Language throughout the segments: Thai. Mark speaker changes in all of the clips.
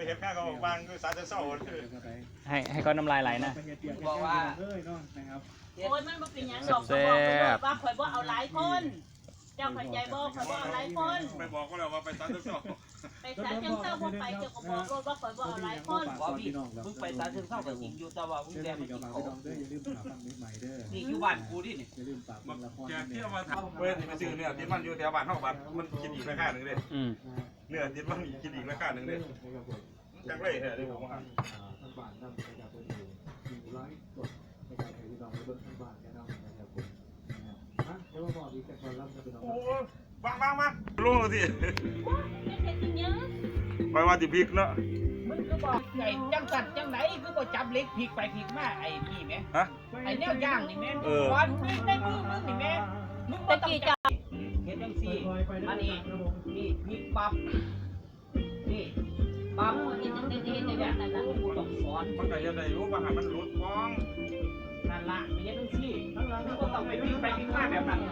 Speaker 1: เห็นข้าวเขาบางคือสาจะเศร้า
Speaker 2: ให้เขาน้ำลายไหลนะ
Speaker 3: บอกว่า
Speaker 4: โอ้ยมันบ่เป็นหยังดอกเขาบอกไปเลยว่าข่อยบ่เอาหลายคนเจ้าเข้าใจบ่ข่อยบ่เอาหลายคน
Speaker 1: ไปบอกก็แล้วว่าไปสาจะเศร้า
Speaker 4: ไปศาลเชิงเทราบ่ไปเจ้าก็บอกรถว่าข่อยบ่เอาหลายคน
Speaker 3: บอกพี่มึงไปศาลเชิงเทรากับจริงอยู่แต่ว่ามึงแดงมากินเขา
Speaker 5: อย่าลืมฝากฟังนิดใหม่เด้อ
Speaker 3: นี่อยู่บ้านกูดินี่
Speaker 5: อย่าลืมฝากฟังละคร
Speaker 1: แกที่เอามาทำเว้ยไปซื้อเนื้อติดมันอยู่แถวบ้านเท่าบ้านมันกินอีกราคาหนึ่งเลยเนื้อติดมันกินอีกราคาหนึ่งเลยจังไรเหรอที่ผมว่า
Speaker 5: ท่านบ้านนำประชาชนอยู่100กดในการให้พี่น้องเบิ่งท่านบ้านแนะนำนะครับผมฮะเดี๋ยวมาบอกอีกแต่ก่อนรับจะเป็นน้อง
Speaker 1: โอ้บ้างรู้สิ
Speaker 4: ไม่เฮ็ดอีหยัง
Speaker 1: ไปว่าติพริกเนาะ
Speaker 3: มึงก็บอกไอ้จังสันจังไหนคือบ่จับเล็กพลิกไปพลิกมาไอ้นี่แม่
Speaker 1: ฮะ
Speaker 3: ไอ้แนวย่างนี่แม่วันมึงได้มือมึงนี่แม่มึงบ่
Speaker 4: ตะ
Speaker 3: ต้อง
Speaker 4: กี้
Speaker 3: จั
Speaker 4: เจ้า
Speaker 3: บเฮ็ดจังซี่อันนี้นี่พลิกปั๊บนี่ปั๊บ
Speaker 4: เฮ็ดจังได๋เฮ็ดจังนั้นน่ะ
Speaker 3: กูต้องสอน
Speaker 1: มันก็ยังได้รู้ว่ามันหลุดฟ้อง
Speaker 3: นั่นล่ะไม่ใช่จังซี่มึงก็ต้องไปพลิกไปพลิกมาแบบนั้น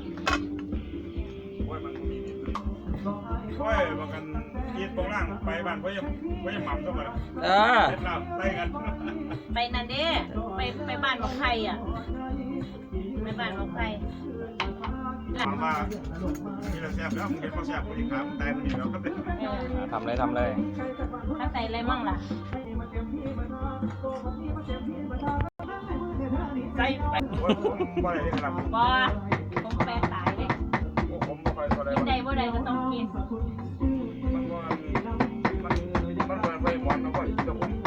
Speaker 1: โอ้ยมันมีนิดโอ้ยบางกันกินตรงล่างไปบ้านเพราะยังหม่ำเข้ามาเล่นน้ำไล่กัน
Speaker 4: ไปนั่นเด้ไปบ้านของใครอ่ะไปบ้านของใคร
Speaker 1: ถามว่ามีอะไรแซ่บแล้วมึงเห็นเขาแซ่บกูอีกครับตายมึงเห็นแล้วก็เป็น
Speaker 2: ทำเลยทำเลย
Speaker 4: ถ้าใส่อะไรมั่งล่ะ
Speaker 3: ใส่ไป
Speaker 1: โอ้ยผมบ่ได้ครับ
Speaker 4: บ่ผมแปลตายเลย
Speaker 1: ผมบ่ค่อยบ่ได้
Speaker 4: กินได้บ่ได้ก็ต้องกิน
Speaker 1: มันบ่ไปหมอนแล้วก็อีกกับผม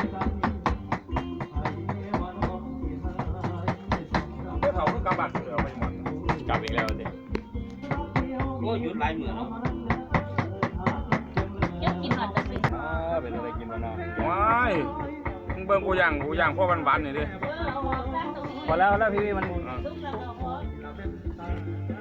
Speaker 1: เมื่อเฒ่าคือกำบัดเสือไปหมอน
Speaker 2: กลับอีกแล้วสิ
Speaker 3: โอ้ยหยุดหลายมื้อเนาะ
Speaker 4: จะกินหน่อยจะเป็น
Speaker 2: เป็นอะไรกินวะเนาะ
Speaker 1: ว้ายมึงเบิ่งกูย่างพ่อหวานๆนี่ดิ
Speaker 4: เอาออกซะตรงนี้
Speaker 2: พอแล้วพี่มัน
Speaker 4: ซุปแล้วก็พอ